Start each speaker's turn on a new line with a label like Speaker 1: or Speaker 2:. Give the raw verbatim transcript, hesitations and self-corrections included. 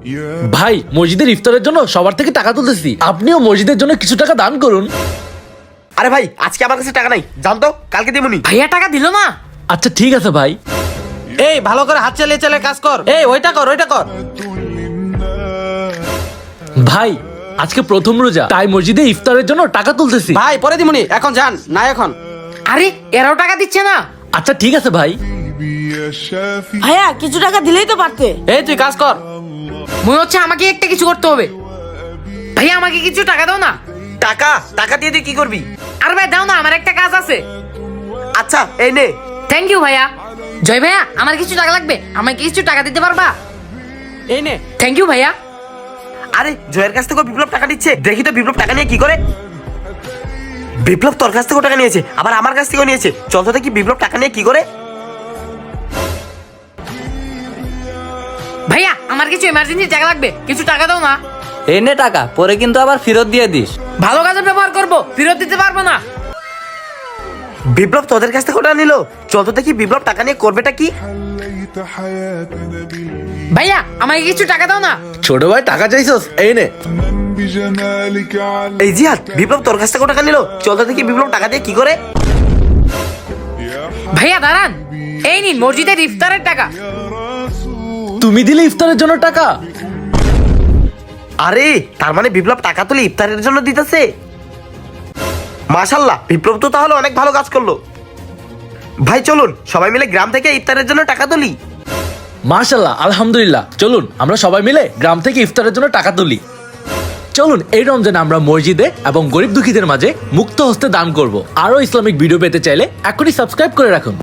Speaker 1: ভাই মসজিদের ইফতারের জন্য সবার থেকে টাকা তুলতেছি, আপনিও মসজিদের জন্য কিছু টাকা দান করুন।
Speaker 2: আরে ভাই আজকে আমার কাছে টাকা নাই, জানতো কালকে দেবনি।
Speaker 3: ভাইয়া টাকা দিল না।
Speaker 1: আচ্ছা ঠিক আছে ভাই।
Speaker 4: এই ভালো করে হাত চালিয়ে চালিয়ে কাজ কর। এই ওইটা কর ওইটা কর।
Speaker 1: ভাই আজকে প্রথম রোজা, তাই মসজিদে ইফতারের জন্য টাকা তুলতেছি।
Speaker 4: ভাই পরে দিমুনি, এখন যান না এখন।
Speaker 3: আরে এরাও টাকা দিচ্ছে না।
Speaker 1: আচ্ছা ঠিক আছে ভাই।
Speaker 5: ভাইয়া কিছু টাকা দিলেই তো পারতে।
Speaker 4: এই তুই কাজ কর।
Speaker 3: মনে হচ্ছে আমাকে একটা কিছু করতে হবে। ভাইয়া আমাকে কিছু টাকা দাও না।
Speaker 2: টাকা টাকা দিয়ে তুই কি করবি?
Speaker 3: আর ভাই দাও না, আমার একটা কাজ আছে।
Speaker 2: আচ্ছা এই নে।
Speaker 3: থ্যাংক ইউ ভাইয়া। জয় ভাইয়া আমার কিছু টাকা লাগবে, আমাকে কিছু টাকা দিতে পারবা?
Speaker 4: এই নে।
Speaker 3: থ্যাংক ইউ ভাইয়া।
Speaker 2: আরে জয়ের কাছ থেকে বিপ্লব টাকা দিচ্ছে, দেখি তো বিপ্লব টাকা নিয়ে কি করে। বিপ্লব তোর কাছ থেকেও টাকা নিয়েছে, আবার আমার কাছ থেকেও নিয়েছে। চল তো দেখি বিপ্লব টাকা নিয়ে কি করে।
Speaker 3: ভাইয়া আমার কিছু এমার্জেন্সি টাকা লাগবে, কিছু টাকা দাও না।
Speaker 6: এই নে টাকা, পরে কিন্তু আবার ফেরত দিয়ে দিস।
Speaker 3: ভালো কাজে ব্যবহার করব, ফেরত দিতে পারবো না।
Speaker 2: বিপ্লব তোদের কাছ থেকে ওটা নিল, চল তো দেখি বিপ্লব টাকা নিয়ে করবেটা কি।
Speaker 3: ভাইয়া আমাকে কিছু টাকা দাও না।
Speaker 1: ছোট ভাই টাকা চাইছস, এই নে।
Speaker 2: এই জিহাদ, বিপ্লব তোর কাছ থেকে টাকা নিল, চল তো দেখি বিপ্লব টাকা দিয়ে কি করে।
Speaker 3: ভাইয়া দাঁড়ান, এই নিন মসজিদের ইফতারের টাকা।
Speaker 1: তুমি দিলে ইফতারের জন্য টাকা?
Speaker 2: আরে তার মানে বিপ্লব টাকা তুলে ইফতারের জন্য দিতেছে। মাশাল্লাহ, বিপ্লব তো তাহলে অনেক ভালো কাজ করলো। ভাই চলুন সবাই মিলে গ্রাম থেকে ইফতারের জন্য টাকা তুলি।
Speaker 1: মাশাআল্লাহ, আলহামদুলিল্লাহ। চলুন আমরা সবাই মিলে গ্রাম থেকে ইফতারের জন্য টাকা তুলি। চলুন এই রমজানে আমরা মসজিদে এবং গরিব দুঃখীদের মাঝে মুক্ত হস্তে দান করব। আরো ইসলামিক ভিডিও পেতে চাইলে এখনই সাবস্ক্রাইব করে রাখুন।